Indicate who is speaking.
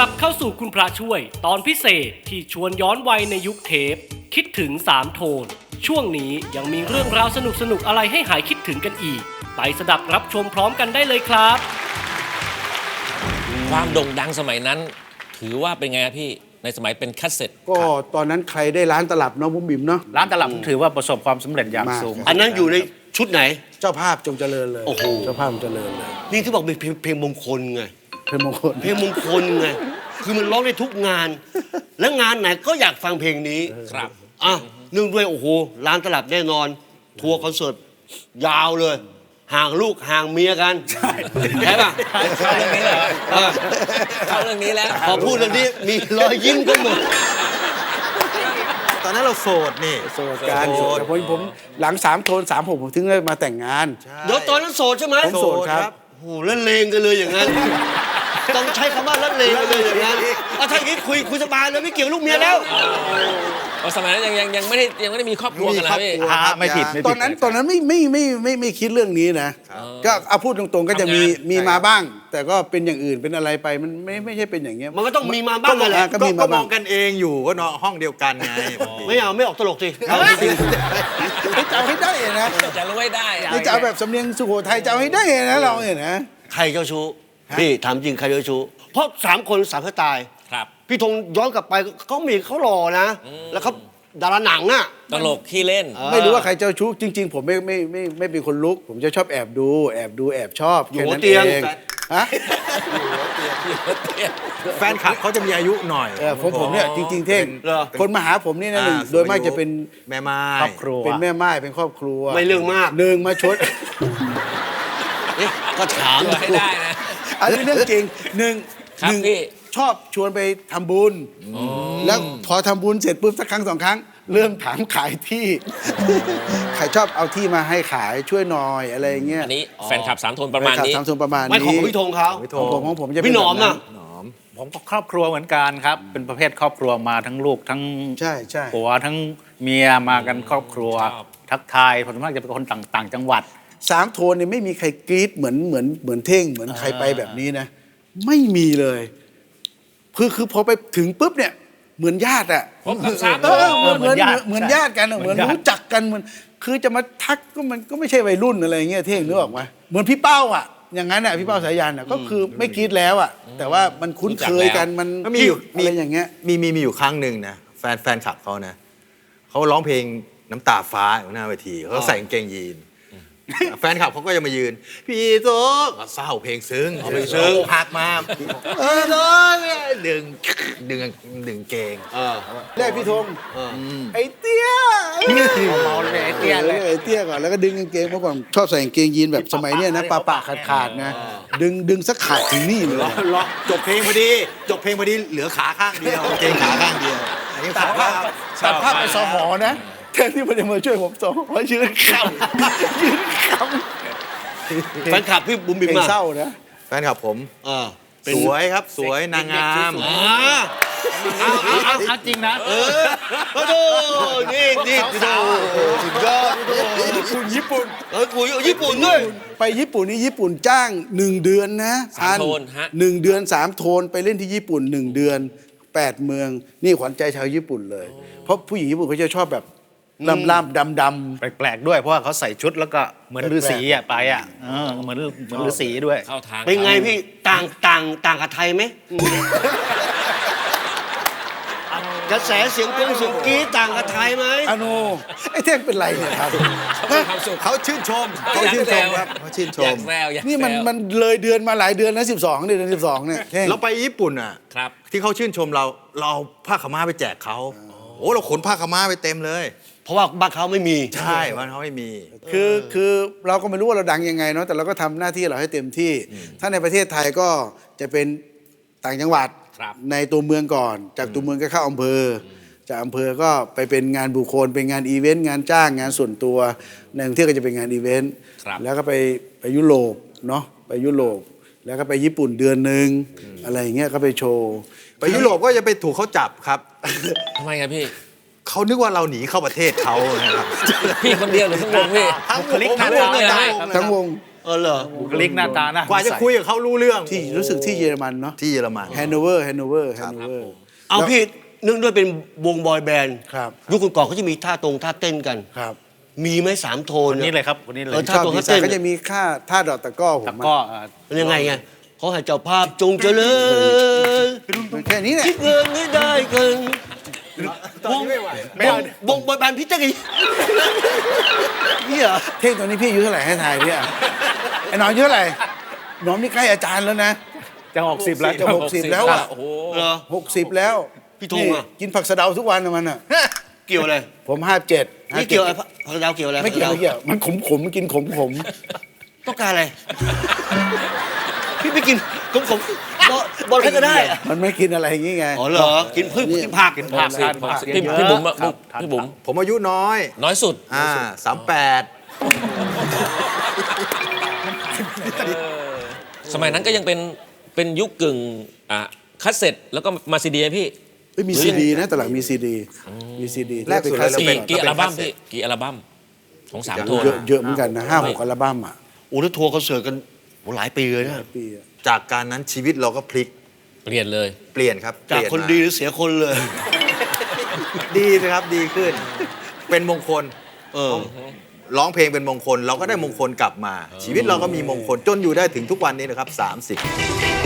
Speaker 1: ลับเข้าสู่คุณพระช่วยตอนพิเศษที่ชวนย้อนวัยในยุคเทปคิดถึง3โทนช่วงนี้ยังมีเรื่องราวสนุกๆอะไรให้หายคิดถึงกันอีกไปสดับรับชมพร้อมกันได้เลยครับ
Speaker 2: ความโด่งดังสมัยนั้น ถือว่าเป็นไงครับพี่ในสมัยเป็นคัสเซ็ต
Speaker 3: ก็ตอนนั้นใครได้ร้านตลับเนาะบุ๋มบิ๋มเนาะ
Speaker 4: ร้านตลับถือว่าประสบความสำเร็จอย่างสูง
Speaker 5: อันนั้นอยู่ในชุดไหน
Speaker 3: เจ้าภาพจงเจริญเลย
Speaker 5: โอ้โห
Speaker 3: เจ้าภาพจงเจริญเลย
Speaker 5: นี่ที่บอกเป็นเพลงมงคลไง
Speaker 3: เพลงมงคล
Speaker 5: เพลงมงคลไง คือมันร้องได้ทุกงาน และงานไหนก็อยากฟังเพลงนี้
Speaker 2: ครับ
Speaker 5: อ่ะเนื่องด้วยโอ้โหร้านตลับแน่นอน ทัวร์คอนเสิร์ตยาวเลย ห่างลูกห่างเมียกัน ใช่ป่ะ
Speaker 2: เข้าเรื่องนี้เลย
Speaker 5: เออ
Speaker 2: เข้าเรื่องนี้แล้ว
Speaker 5: พอพูดเรื่องนี้มีรอยยิ้มกันหมด
Speaker 6: ตอนนั้นเราโสดนี่
Speaker 3: โสดการโสดแต่ผมหลัง3โทน3ผมถึงได้มาแต่งงาน
Speaker 5: เดี๋ยวตอนนั้นโสดใช่ไหม
Speaker 3: ผมโสดครับ
Speaker 5: โอ้โหละเลงกันเลยอย่างนั้น ต้องใช้คำว่าละเลงกันเลยอย่างนั้นถ้าอย่างนี้คุยสบายเลยไม่เกี่ยวลูกเมียแล้ว
Speaker 2: เพราะสมัยนั้นยังไม่ได้มีครอบครัวกันนะพี่
Speaker 4: ไม่ผิด
Speaker 3: ตอนนั้นไม่คิดเรื่องนี้นะก็เอาพูดตรงๆก็จะมีมาบ้าง แต่ก็เป็นอย่างอื่นเป็นอะไรไปมันไม่ใช่เป็นอย่างเงี้ย
Speaker 5: มันก็ต้องมีมาบ้างนั่นแหละ
Speaker 3: ก็มีมา
Speaker 6: ก็ม
Speaker 3: บ้า
Speaker 6: อง งกันเองอยู่ก็นอนห้องเดียวกันไง
Speaker 5: ไม่ออกตลกสิเอาจริง
Speaker 3: จะเอาให้ได้นะ
Speaker 2: จะรู้ให้ได้อะ
Speaker 3: นี่จะเอาแบบสำเนียงสุโขทัยจะเอาให้ได้นะเราเนี่ยนะ
Speaker 5: ๆใครเจ้าชู้พี่ถามจริงใครเจ้าชู้เพราะ3 คน3สไตล์
Speaker 2: ครับ
Speaker 5: พี่ธงย้อนกลับไปเขาหล่อนะ แล้วเขาดาราหนังอ่ะ
Speaker 2: ตลกขี้เล่น
Speaker 3: ไม่รู้ว่าใครเจ้าชู้จริง ๆ ผมไม่เป็นคนลุก ผมจะชอบแอบดูแอบชอบ
Speaker 5: อยู่
Speaker 3: แค่
Speaker 5: หัว
Speaker 3: นั้น
Speaker 5: เตียง
Speaker 3: เองฮะ
Speaker 6: แฟนคลับเขาจะมีอายุหน่อย
Speaker 3: ผมเนี่ยจริง ๆ เท่ง
Speaker 5: เหรอ
Speaker 3: คนมาหาผมนี่นะหนึ่งโดยมากจะเป็น
Speaker 6: แม่ไม้
Speaker 4: ครอบครัว
Speaker 3: เป็นแม่ไม้เป็นครอบครัว
Speaker 5: ไม่เรื่องมาก
Speaker 3: หนึ่งมาชด
Speaker 5: เอ๊ะก็ถาม
Speaker 2: เพื่อให้ได้นะ
Speaker 3: อันนี้เรื่องจริงหนึ่ง
Speaker 2: ครับพี่
Speaker 3: ชอบชวนไปทำบุญแล้วพอทำบุญเสร็จปุ๊บสักครั้ง2 ครั้ง เริ่มถามขายที่ ใครชอบเอาที่มาให้ขายช่วยหน่อยอะไรอย่างเงี้ย
Speaker 2: อันนี้แฟนคลับ3 โทนประมาณนี้
Speaker 3: ทำส่วนประมาณนี้
Speaker 5: ไม่ของพี่ธงเขา
Speaker 3: ของผมจะเป็น
Speaker 5: พี่หนอม
Speaker 3: แบบ
Speaker 5: น่ะ
Speaker 4: ผมก็ครอบครัวเหมือนกันครับ เป็นประเภทครอบครัวมาทั้งลูกทั้ง
Speaker 3: ใช่ใช่
Speaker 4: ผัวทั้งเมียมากันครอบครัว
Speaker 2: ชอบ
Speaker 4: ทักทายผมส่วนมากจะเป็นคนต่างจังหวัด
Speaker 3: 3 โทนเนี่ยไม่มีใครกรี๊ดเหมือนเท่งเหมือนใครไปแบบนี้นะ ไม่มีเลยคือพอไปถึงปุ๊บเนี่ยเหมือนญาติอะ
Speaker 2: พบกับสาม
Speaker 3: เออเหมือน
Speaker 4: เหมือนญาติ
Speaker 3: เหมือนญาติกันอะ
Speaker 4: เห
Speaker 3: เห
Speaker 4: มื
Speaker 3: มื
Speaker 4: อ
Speaker 3: อน น
Speaker 4: ญาติ
Speaker 3: รู้จักกันมันคือจะมาทักก็มันก็ไม่ใช่วัยรุ่นอะไรเงี้ยเท่งนึกออกไหมเหมือนพี่เป้าอะอย่างนั้นอะพี่เป้าสายันอะก็คือไม่กรี๊ดแล้วอะแต่ว่ามันคุ้นเคยกันมัน
Speaker 6: ก็มีอยู่
Speaker 3: อะไรอย่างเงี้ย
Speaker 6: มีอยู่ครั้งหนึ่งนะแฟนคลับเขานะเขาร้องเพลงน้ำตาฟ้าอยู่หน้าเวทีเขาใส่กางเกงยีนแฟนคลับเขาก็จะมายืน พี่โต๊ะก็เศร้าเพลงซึ้งเพลงซึ้งหักมาพี่โต๊ะดึงเกง
Speaker 3: แรกพี่ธง
Speaker 5: เออ
Speaker 3: ไอ้เตี้ย
Speaker 4: เมาเลยไอ้เตี้ยเลย
Speaker 3: ไอ้เตี้ยก่อนแล้วก็ดึงกางเกงเมื่อก่อนชอบใส่กางเกงยีนแบบสมัยเนี้ยนะปะขาดนะดึงสักขาดถึงนี่เลย
Speaker 6: ร้องจบเพลงพอดีเหลือขาข้างเดียวเกงขาข้างเดียวอันนี้ตัดภาพ
Speaker 3: ตัดภาพไปสหอนะแทนที่มันจะมาช่วยผมสหอยืนขำยืนข
Speaker 5: แฟนคลับพี่บุ๋ม
Speaker 3: ำ
Speaker 5: บิ๋ม
Speaker 3: เพลง
Speaker 5: มา
Speaker 3: เศร้านะ
Speaker 6: แฟนคลับผม
Speaker 5: เออ
Speaker 6: สวยครับสวยนางงาม
Speaker 4: เอาจริงนะ
Speaker 5: โอ้โหนี่โอ้สุดยอด
Speaker 3: คุณญี่ปุ่น
Speaker 5: กูญี่ปุ่นด้วย
Speaker 3: ไปญี่ปุ่นนี่ญี่ปุ่นจ้าง1 เดือนนะ
Speaker 2: 3 โทนฮะ
Speaker 3: 1 เดือน3 โทนไปเล่นที่ญี่ปุ่น1 เดือน8 เมืองนี่ขวัญใจชาวญี่ปุ่นเลย เพราะผู้หญิงญี่ปุ่นเขาจะชอบแบบล่ำดำ
Speaker 4: แปลกๆด้วยเพราะว่าเขาใส่ชุดแล้วก็เหมือนฤาษีอะไปอะเหมือนฤาษีด้วย
Speaker 2: เข้าทาง
Speaker 5: เป็นไงพี่ต่างกับไทยไหมกระแสเสียงกกรี๊ดต่างกับไทยไหม
Speaker 3: อโนไอ้เท่งเป็นไรเนี่ยครับ
Speaker 2: เขามีความสุข
Speaker 6: เขาชื่นชมเขาชื่นชมครับเขาชื่นช
Speaker 2: อยาม กแซวอยากแซว
Speaker 3: นี่มันเลยเดือนมาหลายเดือนนะ12เดือน12เนี่ยเท่ง
Speaker 6: เราไปญี่ปุ่นอ่ะ
Speaker 2: ครับ
Speaker 6: ที่เขาชื่นชมเราเอาผ้าขาวม้าไปแจกเขาโอ้เราขนผ้าขาวม้าไปเต็มเลย
Speaker 5: เพราะว่าบ้านเขาไม่มี
Speaker 6: ใช่บ้านเขาไม่มี
Speaker 3: คือเราก็ไม่รู้ว่าเราดังยังไงเนาะแต่เราก็ทำหน้าที่เราให้เต็มที่ ถ้าในประเทศไทยก็จะเป็นต่างจังหวัด
Speaker 2: ครับ
Speaker 3: ในตัวเมืองก่อน จากตัวเมืองก็เข้าอำเภอจากอำเภอก็ไปเป็นงานบุคคลเป็นงานอีเวนต์งานจ้างงานส่วนตัวในกรุงเทพก็จะเป็นงานอีเวนต์
Speaker 2: ครับ
Speaker 3: แล้วก็ไปยุโรปเนาะไปยุโรปแล้วก็ไปญี่ปุ่นเดือนหนึ่งอะไรอย่างเงี้ยก็ไปโชว์
Speaker 6: ไปยุโรปก็จะไปถูกเขาจับครับ
Speaker 2: ทำไมครับพี่
Speaker 6: เขานึกว่าเราหนีเข้าประเทศเขานะครับ
Speaker 2: พี่คนเดียวหรือทั้งวงพี่
Speaker 6: ทั้งวง
Speaker 4: คลิก
Speaker 6: ทั้งวง
Speaker 2: ทั้งวงเลย
Speaker 3: ทั้งวง
Speaker 5: เออเหรอ
Speaker 4: บุคลิกหน้าตานะ
Speaker 6: กว่าจะคุยกับเขารู้เรื่อง
Speaker 3: ที่รู้สึกที่เยอรมันเนาะ
Speaker 6: ที่เยอรมัน
Speaker 3: แฮนโนเวอร์
Speaker 5: เอาพี่เนื่องด้วยเป็นวงบอยแบนด์
Speaker 3: ครับ
Speaker 5: ยุคก่อนๆเขาจะมีท่าเต้นกัน
Speaker 3: ครับ
Speaker 5: มีไหม3 โทน
Speaker 4: คนนี้เลยครับคนนี้เลย
Speaker 5: เออ
Speaker 3: ชอบดีไซน์ก็จะมีค่าท่าดอกตะกร้อผม
Speaker 4: แต่
Speaker 3: อะ
Speaker 4: ก็
Speaker 5: มันยังไงไงเขาให้เจ้าภาพจงเจริญ
Speaker 3: มันแค่นี้แหละ
Speaker 5: คิดเงินให้ได้กัน
Speaker 6: ตอนนี้ไม่ไหว
Speaker 5: วงบอยแบนด์พี่เต้นกันนี่เหรอ
Speaker 3: เท่งตอนนี้พี่อายุเท่าไหร่ให้ทายเนี่ยไอ้หนอนอายุเท่าไหร่หนอนนี่ใกล้อาจารย์แล้วนะ
Speaker 4: จะ60แล้ว
Speaker 3: จะ60แล้วอ่ะ
Speaker 2: โอ้โห
Speaker 5: เหรอ
Speaker 3: 60 แล้ว
Speaker 5: พี่ธงอะ
Speaker 3: นี่กินผักสะเดาทุกวันนะมันอ่ะ
Speaker 5: เกี่ยวอะไร
Speaker 3: ผม57
Speaker 5: นี่เกี่ยวอะไรพระดาวเกี่ยวอะไร
Speaker 3: ไม่เกี่ยว
Speaker 5: พระ
Speaker 3: ไม่เกี่ยวมันขมมันกินขม
Speaker 5: ต้องการอะไร พี่ไปกินขมบอลใครก็ได้อะ
Speaker 3: มันไม่กินอะไรอย่างงี้ไง
Speaker 5: อ๋อเหรอกินพืชกินผัก
Speaker 4: กินผักทานผัก
Speaker 2: พี่บุ๋มอะพี่บุ๋ม
Speaker 6: ผมอายุน้อย
Speaker 2: น้อยสุด
Speaker 6: 38
Speaker 2: สมัยนั้นก็ยังเป็นยุคกึ่งคัสเซ็ตแล้วก็มาซีดีพี่
Speaker 3: เอ้ยมีซีดีนะตอนหลังมีซีดี
Speaker 6: แรกสุดเลยเราเป็น
Speaker 2: กี่อัลบั้มพี่กี่อัลบั้มของ3 โทน
Speaker 3: เยอะเหมือนกันนะ5-6 อัลบั้มอ่ะ
Speaker 5: โอ้แล้วทัวร์คอนเสิร์ตกันโอ้หลายปีเลยนะ
Speaker 3: ปีอะ
Speaker 6: จากการนั้นชีวิตเราก็พลิก
Speaker 2: เปลี่ยนเลย
Speaker 6: เปลี่ยนครับ
Speaker 5: จาก
Speaker 6: เปลี่ย
Speaker 5: คน
Speaker 6: มา
Speaker 5: ดีหรือเสียคนเลย
Speaker 6: ดีนะครับดีขึ้น เป็นมงคล
Speaker 5: เออ
Speaker 6: ร้องเพลงเป็นมงคล เราก็ได้มงคลกลับมา ชีวิตเราก็มีมงคลจนอยู่ได้ถึงทุกวันนี้นะครับ 30